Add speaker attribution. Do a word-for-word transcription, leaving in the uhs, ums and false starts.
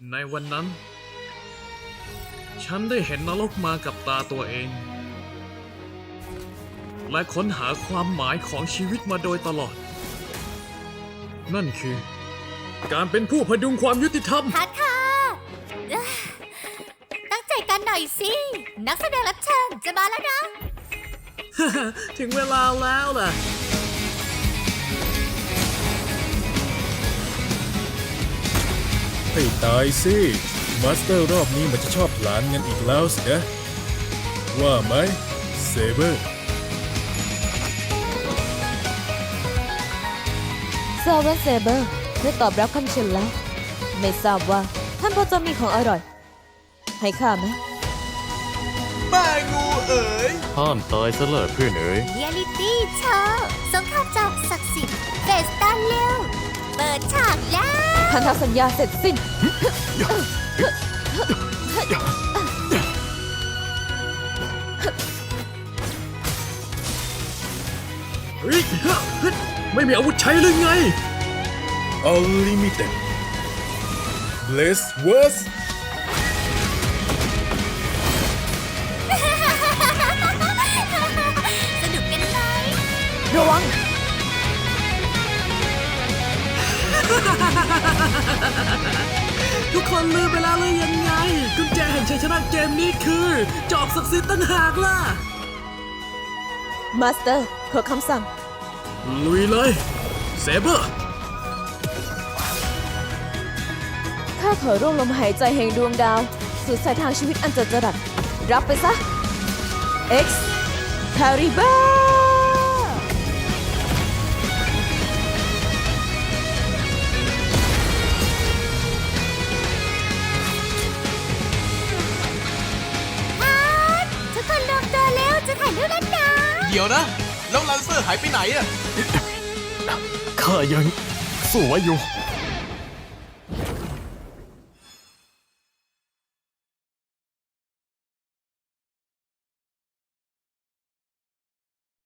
Speaker 1: ในวันนั้น ฉันได้เห็นนรกมากับตาตัวเอง และค้นหาความหมายของชีวิตมาโดยตลอด นั่นคือ การเป็นผู้พดุงความยุติธรรม
Speaker 2: ค่ะค่ะเอ้อตั้งใจกันหน่อยสิ นักแสดงรับเชิญจะมาแล้วนะ
Speaker 1: ถึงเวลาแล้วล่ะ
Speaker 3: ให้ตายสิมาสเตอร์รอบนี้มันจะชอบหลานกันอีกแล้วสินะว่าไหมเซเบอร์
Speaker 4: ซาเวนเซเบอร์ได้ตอบรับคำเชิญแล้ว ไม่ทราบว่าท่านพอจะมีของอร่อย ให้ข้าไหม
Speaker 5: แม่งูเอ๋ย
Speaker 6: ห้ามตายซะเลยเพื่อนเอ๋ย
Speaker 2: เรียลิตี้โชว์สงครามจอมศักดิ์สิทธิ์เฟสตันเร็ว เปิดฉากแล้ว
Speaker 4: พันธสัญญาเสร็จสิ้น
Speaker 1: เฮ้ยเฮ้ยไม่มีอาวุธใช้หรือไง
Speaker 3: Unlimited Bless Words
Speaker 2: สนุกกันไหม
Speaker 4: ระวัง
Speaker 1: ทุกคนลืมไปแล้วหรือยังไง กุญแจแห่งชัยชนะเกมนี้คือ จอบศักดิ์สิทธิ์ตั้งหากล่ะ
Speaker 4: มาสเตอร์ขอคำสั่ง
Speaker 1: ลุยเลย เซเบอร์
Speaker 4: ข้าขอร่วมลมหายใจแห่งดวงดาว สู่สายทางชีวิตอันจัดจรัสรับไปซะ X c a r i b a
Speaker 2: ทุกคนรวมตัวเร็วจะถ่ายรูปแล้วนะ
Speaker 5: เดี๋ยวนะ แล้วลันเซอร์หายไปไหนอะ
Speaker 6: ข้ายังสู้ไว้อยู่